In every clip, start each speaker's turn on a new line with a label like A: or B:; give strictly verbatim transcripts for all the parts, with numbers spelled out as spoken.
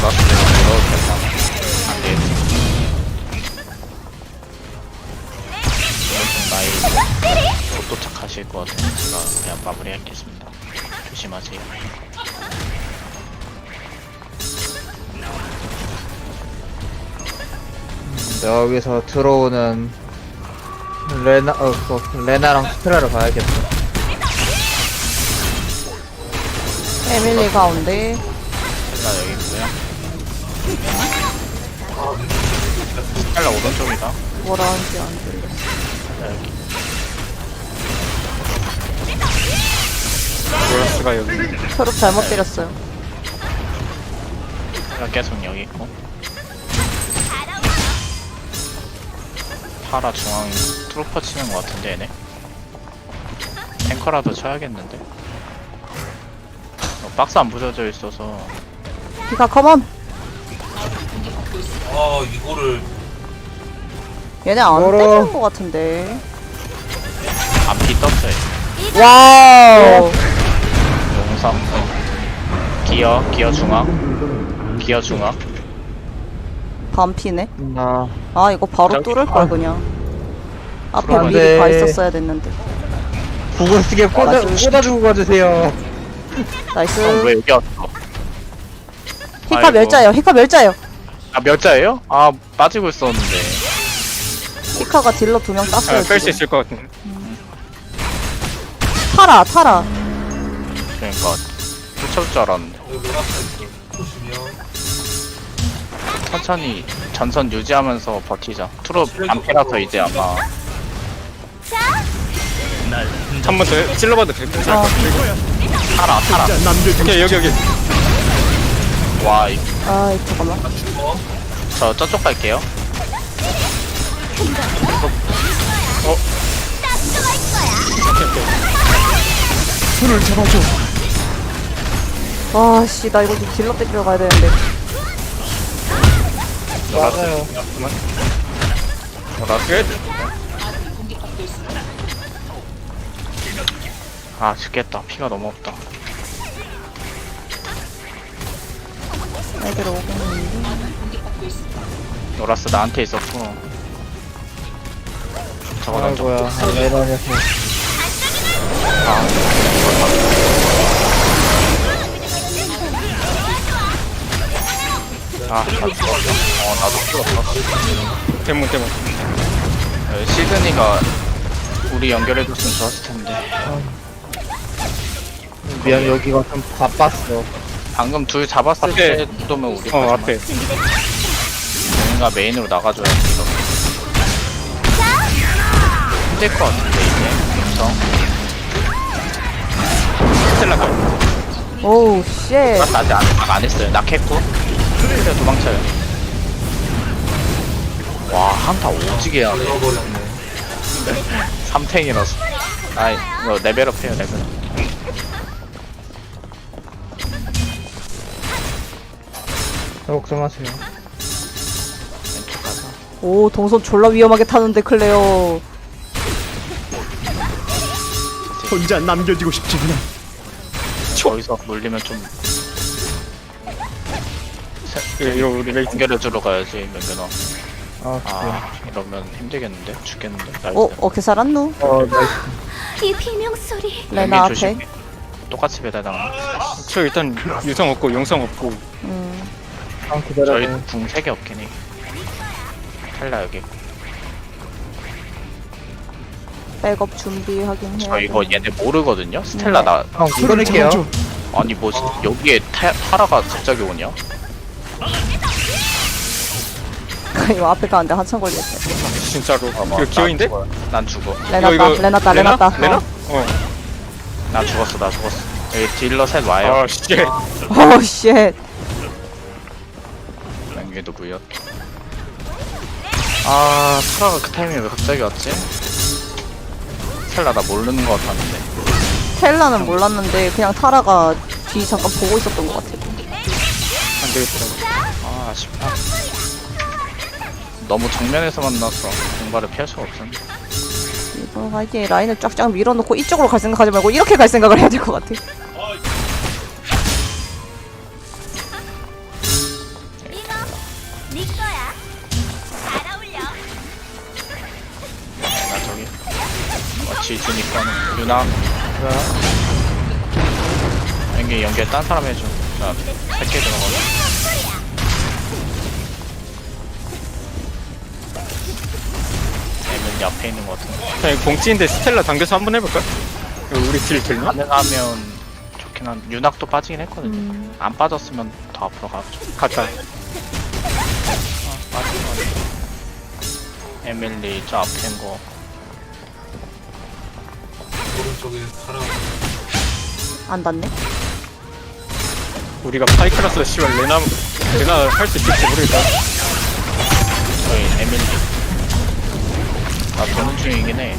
A: 노라스대로 들어도 된다. 안 되겠지. 나이 못 도착하실 것 같아서 제가 그냥 마무리하겠습니다. 조심하세요.
B: 여기서 들어오는 레나, 어, 그, 레나랑 스트라를 봐야겠다.
C: 에밀리 가운데.
A: 헬라 여기 있고요. 헬라 오른쪽이다.
C: 뭐라 하는지 안 들려.
A: 헬라 여기.
D: 노라스가 여기.
C: 초록 잘못 때렸어요.
A: 헬라 계속 여기 있고. 파라 중앙 트루퍼 치는 것 같은데 얘네. 탱커라도 쳐야겠는데. 어, 박스 안 부서져 있어서.
C: 피카 컴온!
E: 아 이거를
C: 얘네 안
B: 멀어.
C: 때릴 것 같은데.
A: 앞이 떴어요.
C: 와우!
A: 용성. 기어, 기어 중앙. 기어 중앙.
C: 반피네.
B: 나,
C: 아, 이거 바로
A: 저기-
C: 뚫을 걸
B: 아.
C: 그냥. 앞에
A: 그러면
C: 미리
B: 돼.
C: 가 있었어야 됐는데.
B: 구글 쓰게 꽂아,
C: 맞아.
B: 꽂아주고 가주세요.
C: 나이스.
A: 형 왜 여기 왔어?
C: 히카
A: 아이고.
C: 멸자예요. 히카 멸자예요.
A: 아, 몇 자예요? 아, 빠지고 있었는데.
C: 히카가 딜러 두 명 땄어요.
D: 아, 뺄 수
C: 지금.
D: 있을 것 같은데.
C: 타라, 타라.
A: 그러니까, 쫓아올 줄 알았는데.
E: 여기 노랗게 있어. 보시면
A: 천천히 전선 유지하면서 버티자. 트롭 안 패라서 이제 아마.
D: 한 번 더 찔러봐도 될것
C: 어.
D: 같아.
A: 타라, 타라.
D: 오케이, 여기, 여기.
A: 와, 이-
C: 아, 잠깐만.
A: 저 저쪽 갈게요.
C: 와, 씨, 나 이거 좀 딜러 때리러 가야 되는데.
B: 맞아요.
D: 끝.
A: 아, 죽겠다. 피가 너무 없다.
C: 애들 오고 있는데.
A: 노라스 나한테 있었고. 저거 던져.
B: 아이고야, 레나에서.
A: 아, 나 죽었어. 어, 나도 죽었어.
D: 대문, 대문.
A: 어, 시드니가 우리 연결해줬으면 좋았을 텐데.
B: 미안, 여기가 좀 바빴어.
A: 방금 둘 잡았을
D: 앞에.
A: 때 정도면 우리
D: 어, 앞에.
A: 뭔가 메인으로 나가줘야지. 이거. 힘들 것 같은데 이제. 음성.
D: 스텔라가.
C: 오우, 쉣.
A: 노라스 아직 안, 안 했어요. 낙했고. 그래 도망쳐요. 와, 한타 오지게 하네.
E: 잃어버렸네.
A: 삼탱이라서. 아이, 이거 레벨업 해요, 레벨업.
B: 걱정하세요.
A: 왼쪽 가서.
C: 오, 동선 졸라 위험하게 타는데, 클레어.
F: 혼자 남겨지고 싶지 않아.
A: 저기서 물리면 좀.
D: 이거, 이거 우리 레이팅.
A: 연결해주러 가야지, 면면어.
B: 아, 그래.
A: 아, 이러면 힘들겠는데? 죽겠는데? 나이스.
C: 어, 어떻게 살았누?
B: 어, 나이스.
G: 이 비명 소리.
C: 레나
A: 연기
C: 앞에.
A: 조심해. 똑같이 배달당하.
D: 저 일단 유성 없고 용성 없고.
C: 음.
B: 한
A: 저희
B: 기다려요.
A: 궁 세 개 없긴 해. 탈라 여기.
C: 백업 준비하긴 해야
A: 저 이거
C: 돼.
A: 얘네 모르거든요? 스텔라 나.
B: 형, 끊을게요.
A: 아니 뭐 여기에 타, 타라가 갑자기 오냐?
C: 이거 앞에 가는데 한참 걸리겠다.
D: 진짜로.
A: 아,
D: 이거 기어인데?
A: 난 죽어.
C: 레나다, 레나다, 레나다.
D: 레나?
C: 어.
D: 어.
A: 나 죽었어, 나 죽었어. 여기 딜러 셋 와요.
D: 아, 씨.
C: 오, 쉣.
A: 여기도 무였. 아, 타라가 그 타이밍에 왜 갑자기 왔지? 스텔라 나 모르는 것 같았는데.
C: 텔라는 몰랐는데, 그냥 타라가 뒤 잠깐 보고 있었던 것 같아.
D: 안 되겠더라고.
A: 아, 아쉽다. 너무 정면에서 만나서 공발을 피할 수가 없었네.
C: 이거 이제 라인을 쫙쫙 밀어놓고 이쪽으로 갈 생각하지 말고 이렇게 갈 생각을 해야 될 것 같아.
A: 나 저기 어치 있으니까 유나 연기 연결 딴 사람 해줘. 나 백 개 들어가고. 애면 옆에 있는 것 같은데.
D: 자, 이거 공찌인데 스텔라 당겨서 한번 해볼까? 이거 우리 딜 들나?
A: 가능하면 좋긴 한. 윤학도 빠지긴 했거든요.
C: 음.
A: 안 빠졌으면 더 앞으로 가죠.
D: 갔다.
A: 아, 빠진 거 같아. 에밀리 저 앞에 있는 거.
E: 오른쪽에 파라.
C: 안 닿네.
D: 우리가 파이크라스 씨발 레나 레나 할 수 있을지 모르겠다.
A: 저희 에밀리. 나 보는 중이긴 해.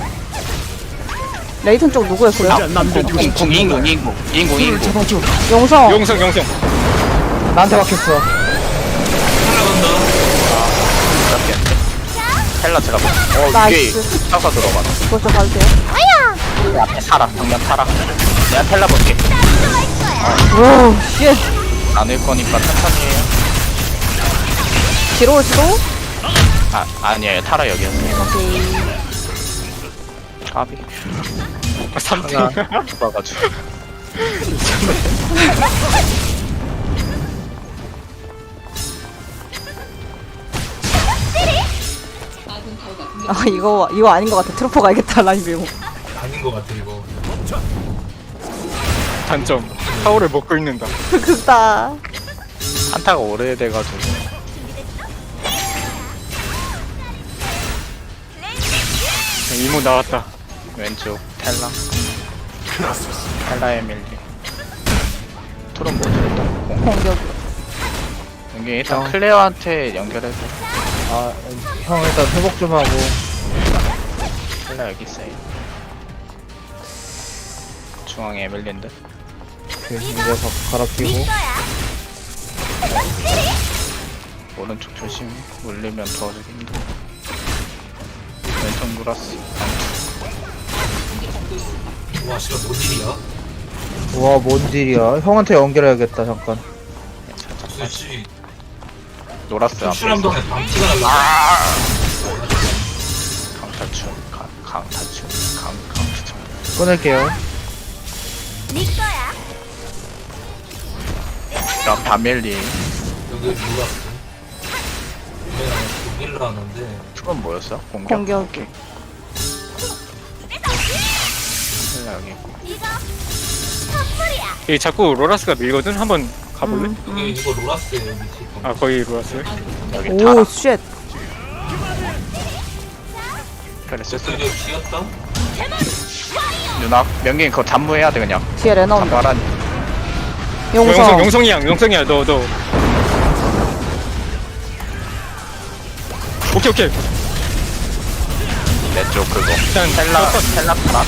C: 레이튼 쪽 누구였어요?
F: 혼자 남겨지고 싶지 않아.
A: 인공 인공 인공
F: 손을
A: 인공.
F: 잡아줘.
C: 용성.
D: 용성 용성.
B: 나한테 박혔어.
A: 잡겠는데? 텔라 제가 뭐- 어 위에
C: 나이스.
A: 쳐서 들어가.
C: 벌써 가도 돼요?
A: 내 앞에 타라. 정면 타라. 내가 텔라 볼게.
C: 오, 쉣.
A: 나눌 거니까 천천히 해요.
C: 뒤로 올지도?
A: 아 아니에요. 타라 여기였어요.
C: 오케이.
A: 까비.
D: 삼 등.
A: 죽어가지고.
C: 아, 이거, 이거 아닌 것 같아. 트루퍼 가야겠다, 라인 밀고.
E: 아닌 것 같아 이거.
D: 단점. 타워를 먹고 있는다.
C: 극다.
A: 한타가 오래돼가지고.
D: 이모 나왔다.
A: 왼쪽 텔라. 텔라 에밀리. 토론 뭐지 일단? 공.
C: 공격.
A: 여기 일단
B: 어.
A: 클레어한테 연결해서.
B: 아, 형 일단 회복 좀 하고.
A: 텔라 여기 있어요. 중앙에 에밀리인데.
B: 그, 이제 갈아 끼고.
A: 오른쪽 조심. 물리면 도와주기 힘들어. 왼쪽 물었어.
E: 와 씨발 뭔 일이야?
B: 우와, 뭔 딜이야. 형한테 연결해야겠다, 잠깐.
A: 살짝 빠지.
E: 도대체
A: 놀았어요. 앞에 있어.
E: 출출함동에 방치가 날라.
A: 강타출. 강, 강타출. 강, 강타출.
B: 끊을게요.
A: 그럼 바멜리.
E: 여기 누가 왔어? 내가 독일로 하는데
A: 투건 뭐였어? 공격?
C: 공격.
A: 텔라 여기 있고.
D: 이 자꾸 로라스가 밀거든. 한번 가볼래?
C: 음,
E: 여기
C: 음.
E: 이거 로라스예요 밑에.
D: 아 거의 로라스.
A: 여기
C: 오,
A: 타라.
C: 쉣.
A: 그래 쓸수
E: 여기 비었다?
A: 누나 명긴 그거 잠무해야 돼 그냥.
C: 뒤에 레나 온다.
A: 말한
D: 용성
C: 용성.
D: 용성이야 용성이야 너 너. 오케이 오케이.
A: 내 쪽 그거.
D: 일단
A: 텔라 텔라 타라.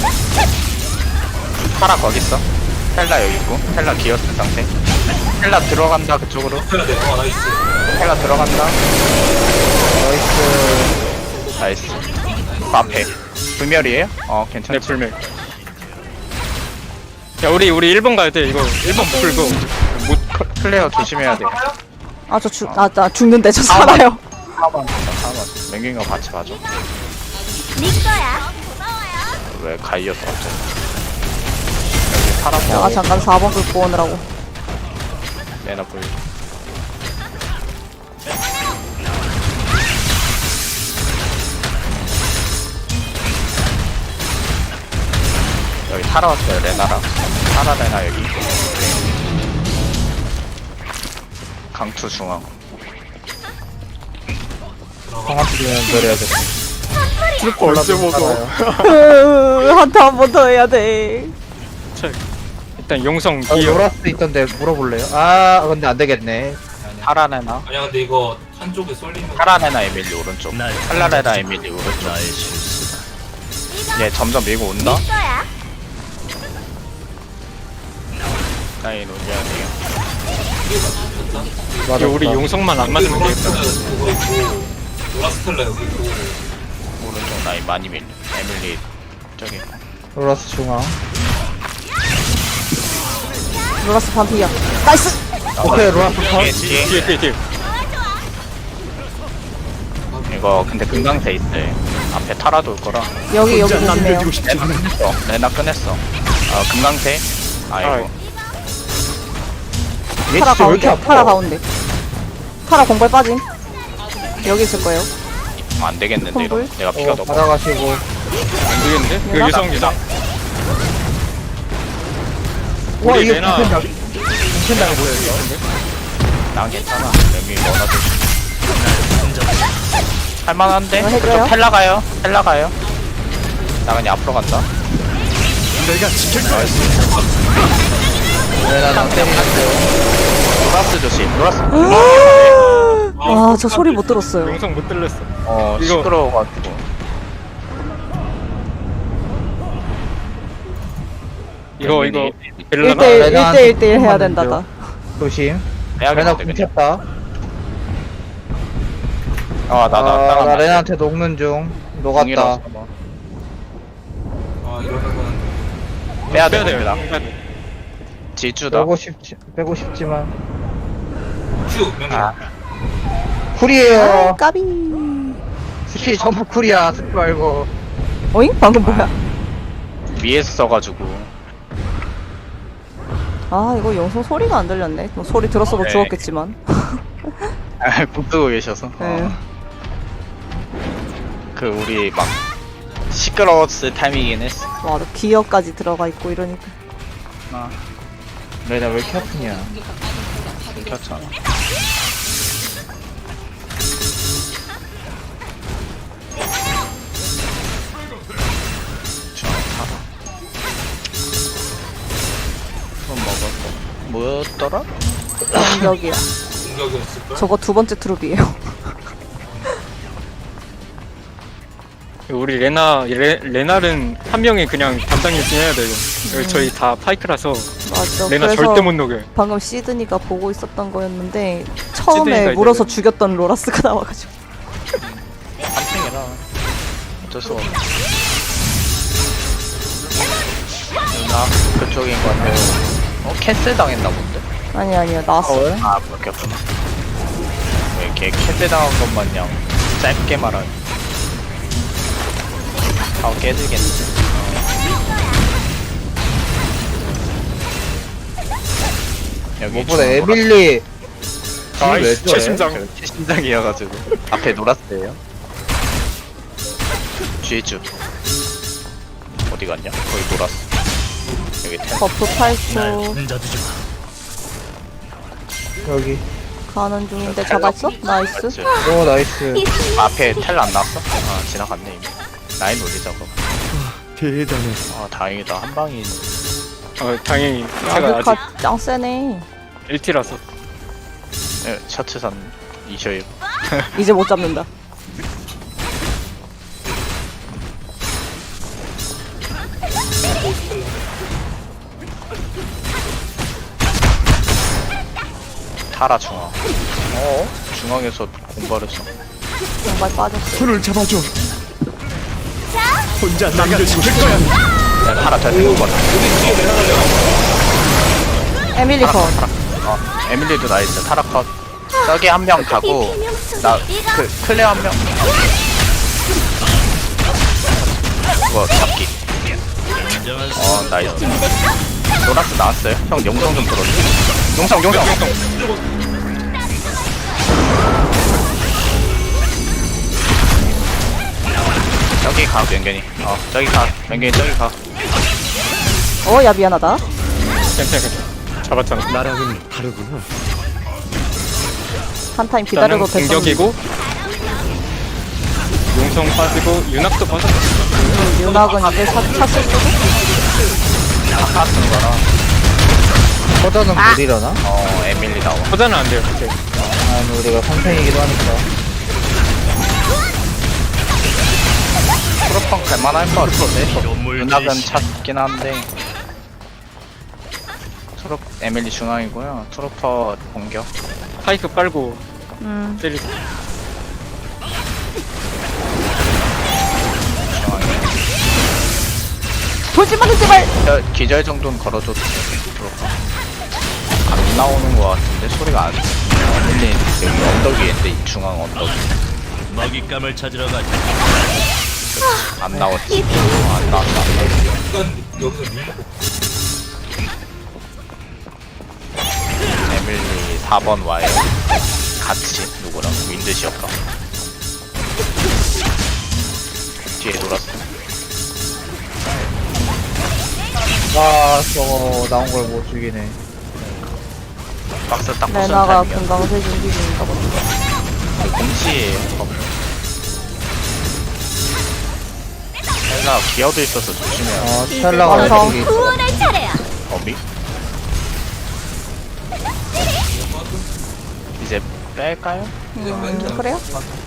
A: 타라 거기 있어. 텔라 여기 있고. 텔라 기어스 상태. 텔라 들어간다 그쪽으로.
E: 해야 돼. 어 나이스.
A: 텔라 들어간다.
B: 나이스.
A: 나이스. 그 앞에. 불멸이에요? 어
D: 내
A: 괜찮지.
D: 불멸. 야 우리 우리 일 번 가야 돼 이거 일 번 풀고 못
A: 클레어 조심해야 돼.
C: 아, 저 죽, 아, 나 죽는데 저 살아요.
A: 사만 사만. 맹균이가 같이 봐줘. 왜 가이었어 갑자기. 여기 타라.
C: 아, 잠깐 사 번 긁고 오느라고.
A: 내나 보여. 여기 타라 왔어요 레나랑. 타라 레나 여기. 강투 중앙.
B: 형한테 좀 연결해야겠다.
D: 벌써 먹어.
C: 한타 한 번 더 해야 돼.
D: 일단 용성
B: 어,
D: 기어.
B: 로라스 있던데 물어볼래요? 아, 근데 안 되겠네.
A: 타라 레나.
E: 아니야 근데 이거 한쪽에 쏠리면
A: 타라 레나 에밀리 오른쪽. 탈라 레나 에밀리 오른쪽. 얘 점점 밀고 온다. 라인 올려야 돼요.
B: 맞았다.
D: 이거 우리 용성만 안 맞으면 되겠다.
E: 그거 있고 로라스텔라 여기 있고
A: 오른쪽 라인 많이 밀려. 에밀리 저기.
B: 로라스 중앙.
C: 로라스 반피야. 나이스!
B: 오케이, 로라스 컷.
A: 뒤에 뒤에.
D: 뒤에 뒤에 뒤에.
A: 이거 근데 금강새 있대. 앞에 타라도 올 거라.
C: 여기 여기
F: 혼자
C: 조심해요.
F: 남겨지고 싶지 않아.
A: 어, 레나 꺼냈어. 어, 금강새. 아이고.
B: 얘
C: 타라
B: 진짜 왜 이렇게
C: 가운데.
B: 아파?
C: 타라 가운데. 타라 공발 빠짐. 여기 있을 거예요.
A: 어, 안 되겠는데 이러.
C: 홈불?
A: 내가 피가
B: 어,
A: 너무.
B: 받아가시고.
D: 안 되겠는데? 그
C: 유나?
D: 유성 유성.
B: 와,
D: 우리
B: 이거
D: 레나
B: 괜찮다. 괜찮다, 뭐야, 이거.
A: 난 괜찮아. 여기 넣어놔도. 할만한데?
C: 이거 해줘요?
A: 그쪽 텔라 가요. 텔라 가요. 나 그냥 앞으로 간다.
F: 내가 지킬 거야.
B: 레나랑 때리는데.
A: 노라스 조심. 노라스.
C: 아, 저 소리 못 들었어요.
D: 용성 못 들렸어.
A: 어,
D: 이거-
A: 시끄러워가지고.
D: 이거 이거
C: 일
D: 벨라나?
C: 대 일,
B: 레나한테
C: 일 대 일, 일 대 일 해야
B: 조금만
C: 된다.
B: 더. 조심. 레나
A: 빼야겠는데 그냥.
B: 굶혔다.
A: 어, 나, 나,
B: 아,
A: 따라
B: 나 레나한테 녹는 중. 녹았다.
E: 아 이러면은
A: 빼야
D: 빼야 돼요.
A: 됩니다.
D: 빼야 돼.
A: 지주다.
B: 빼고 싶지, 빼고 싶지만.
E: 큐 명령.
A: 아,
B: 쿨이에요.
C: 아, 까비.
B: 스킬 전부 쿨이야. 쓰지 말고.
C: 어잉? 방금 뭐야?
A: 위에서 써가지고.
C: 아, 이거 영성 소리가 안 들렸네. 뭐 소리 들었어도
A: 네.
C: 죽었겠지만.
A: 아, 국 뜨고 계셔서.
C: 네.
A: 어. 그, 우리 막, 시끄러웠을 타이밍이긴 했어.
C: 와, 너 기어까지 들어가 있고 이러니까.
A: 아,
B: 레나 왜 이렇게 아프냐.
A: 켰잖아. 한번 먹었고. 뭐였더라?
C: 공격이야.
E: 공격이었을걸?
C: 저거 두 번째 트룹이에요.
D: 우리 레나 레, 레날은 한 명이 그냥 담당 일진 해야 돼요. 여기 저희 다 파이크라서
C: 맞아.
D: 레나
C: 그래서
D: 절대 못 녹여요.
C: 방금 시드니가 보고 있었던 거였는데 처음에
D: 시드니가
C: 물어서
D: 이제-
C: 죽였던 로라스가 나와가지고.
A: 한팽이라 어쩔 수 없네. 누나 그쪽인 것 같아요. 어? 캔슬 당했나 본데?
C: 아니 아니야 나왔어.
A: 아 그렇겠구나. 왜 이렇게 캔슬 당한 것 마냥 짧게 말하니. 아 깨지겠는데. 어. 여기
B: 무엇보다
A: 중앙
B: 에밀리.
D: 아이
B: 왜 저래?
D: 최심장.
A: 신장이어가지고 앞에 놀았어요. 쥐주 어디 갔냐? 거기 놀았어. 여기 텐.
C: 버프 팔초
B: 여기.
C: 가는 중인데 잡았어? 나이스.
A: 맞지?
B: 오, 나이스.
A: 앞에 텔 안 나왔어? 아 지나갔네 이미. 라인 올리자고.
F: 대단해.
A: 아 다행이다 한 방이.
D: 어 당연히 제가 아직
C: 아그카 짱 세네.
D: 일 티라서.
A: 예, 셔츠 산 이셔요.
C: 이제 못 잡는다.
A: 타라 중앙. 어? 중앙에서 공발했어.
C: 정말 빠졌어.
F: 손을 잡아줘. 혼자 남겨지고 싶지 않아.
A: 야 타라 잘 생긴 거 같아.
C: 에밀리 컷.
A: 어 에밀리도 나이스. 타라 컷. 저기 한 명 가고 나 그 클레어 한 명. 뭐 잡기. 어 나이스. 노라스 나왔어요? 형 영상 좀 들어줘. 용성 용성. 저기 가 명견이. 어 저기 가 명견이 저기 가.
C: 어, 야 미안하다.
D: 괜찮아 괜찮아. 잡았잖아.
F: 나랑은 다르구나.
C: 한 타임 기다려도
D: 일단은
C: 됐었는데.
D: 공격이고 용성 빠지고 윤학도 빠졌어.
C: 윤학은 이제 차, 찼을 수도?
A: 아까 쓴 거라.
B: 허전은 못 일어나?
A: 어 에밀리 나와.
D: 포자는 안 돼요. 이제.
B: 아니, 우리가 선생이기도 하니까.
A: 프로펑 갈만할 것 같은데. 윤학은 찾긴 한데. 트로 에밀리 중앙이고요. 트로퍼 공격.
D: 파이크 빨고
C: 음.
D: 때리고.
A: 중앙에.
C: 돌지 마, 돌지 말!
A: 기절, 기절 정도는 걸어줘도 돼. 트로퍼. 안 나오는 것 같은데 소리가 안. 에밀리 여기 언덕 위인데 이 중앙 언덕.
G: 먹잇감을 찾으러 가자.
A: 안 나왔지. 어, 안 나왔다. 안 나왔다.
E: 일단 여기서 밀 먹고
A: 에밀리 사 번 와요. 같이 누구랑 윈드시었다. 뒤에 놀았어.
B: 아 저거 나온 걸 못 죽이네.
A: 박스 딱 부순
C: 레나가
A: 타임이야.
C: 금강새 준비 중인가 본데.
A: 공치 헬라 기어도 있어서 조심해야 돼.
B: 아 스텔라가
C: 완성.
B: 왼쪽에 있어.
A: 어미? 이제 뺄까요?
C: 음, 그래요?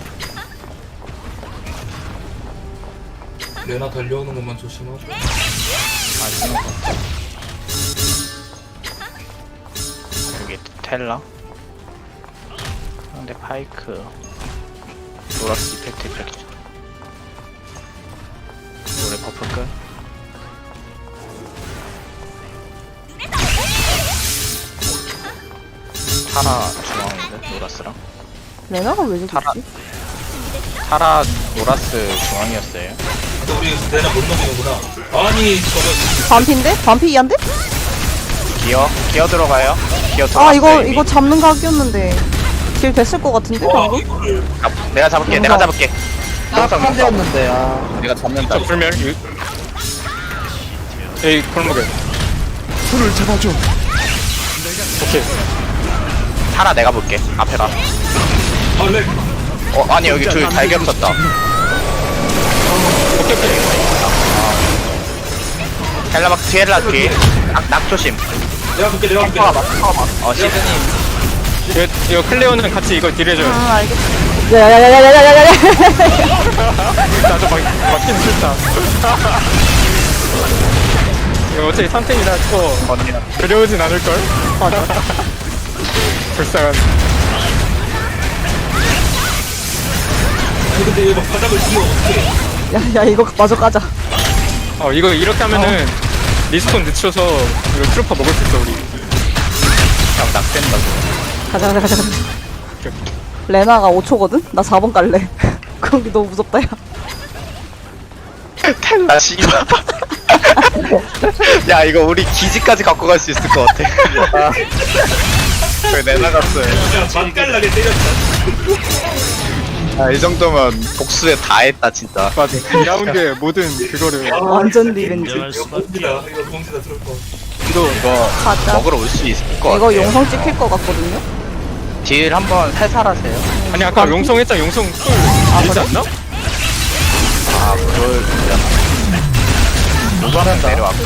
E: 레나 달려오는 것만 조심하고.
A: 아니면 여기 텔라 상대 파이크 노라스 이펙트 이펙트 노래 버프 끝 타라 중앙인데 노라스랑
C: 레나가 왜 저기
A: 타라.
C: 있지?
A: 타라 노라스 중앙이었어요.
E: 근데 우리 레나 못 넘기는구나. 아니 저거
C: 반피인데? 반피 이한데?
A: 기어 기어 들어가요. 기어 들어갔어요.
C: 아 이거
A: 이미.
C: 이거 잡는 각이었는데 길 됐을 것 같은데
E: 와
C: 방금?
E: 이거를
A: 아, 내가 잡을게.
C: 영상.
A: 내가 잡을게. 영상
B: 딱한
A: 영상.
B: 대였는데 아.
A: 내가 잡는다.
D: 저 불멸 유... 에이 골목에
F: 손을 잡아줘.
D: 오케이
A: 타라 내가 볼게. 앞에 봐.
E: 아렉
A: 어 아니 여기 둘 잘 겹쳤다.
D: 오케이 오케이
A: 헬라 막 뒤에 헬라 뒤에. 낙, 낙 조심.
E: 내가 볼게 내가 볼게.
A: 파워 봐. 파워 봐. 어 시드니.
D: 이거, 이거 클레오는 같이 이거 딜해줘요.
C: 아 알겠어. 야야야야야야야야야.
D: 나도 막 막히는 싫다. 이거 어차피 삼 탱이라 또
A: 언니랑.
D: 그려오진 않을걸? 불쌍한.
E: 아니 근데 얘막 바닥을 치면 어떡해.
C: 야야 이거 마저 까자.
D: 어 이거 이렇게 하면은 리스폰 늦춰서 이거 트루퍼 먹을 수 있어 우리.
A: 형 낙된다.
C: 가자 가자 가자 가자. 레나가 오 초거든? 나 사 번 깔래. 거기 너무 무섭다 야.
A: 텔라 씨발. 야 이거 우리 기지까지 갖고 갈 수 있을 것 같아. 왜 내나갔어요?
E: 그냥 맛깔나게 때렸다.
A: 아 이 정도면 복수에 다 했다 진짜.
D: 맞아. 이 라운드에 모든 그거를
C: 완전 리벤지.
G: 인정할
E: 이거
G: 수밖에.
E: 봉지다 이거 봉지다 들을 거.
A: 이거 이거
C: 가자.
A: 먹으러 올 수 있을 것 같아.
C: 이거 용성 찍힐 것 같거든요?
A: 딜 한번 살살하세요.
D: 아니 아까 용성 했잖아 용성 쿨 알지 않나?
A: 아 그걸 그냥 누가는 내려왔고.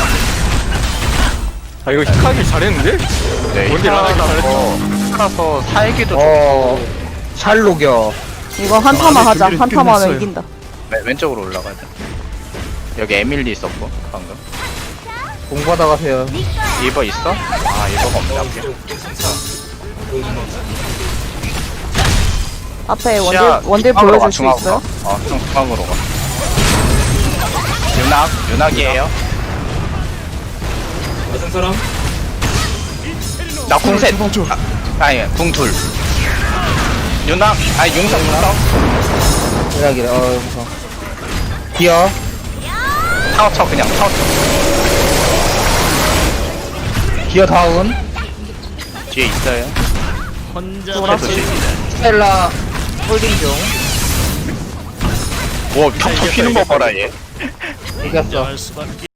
D: 아 이거 힙하기 잘했는데?
A: 네,
D: 뭔데 라나기
A: 이라서 살아서 살기도
B: 어 샬록여.
C: 이거 한타만 하자.
F: 준비를
C: 한타만 하면
F: 끝냈어요.
C: 이긴다.
A: 왼- 왼쪽으로 올라가야 돼. 여기 에밀리 있었고 방금.
B: 공 받아가세요.
A: 리버 있어? 아 리버가 없네 앞에.
E: 이게 승차. 보여주는 거.
C: 앞에 원딜,
A: 시야
C: 원딜
A: 중앙으로 가,
C: 보여줄 수
A: 중앙으로
C: 있어요?
A: 가. 어 중- 중앙으로 가. 윤낙 윤낙이에요.
E: 맞은 사람?
A: 나 궁셋.
F: 잡아줘.
A: 아, 아니 궁둘. 윤낙 아니 용성 용성.
B: 이라기래. 어 영상. 기어.
A: 타워 쳐 그냥 타워 쳐.
B: 기어 다운.
A: 뒤에 있어요.
G: 혼자
C: 노라스.
B: 스텔라 홀딩 중.
A: 와 평평 피는 거 봐라 얘.
B: 이겼어.
G: 인정할 수밖에.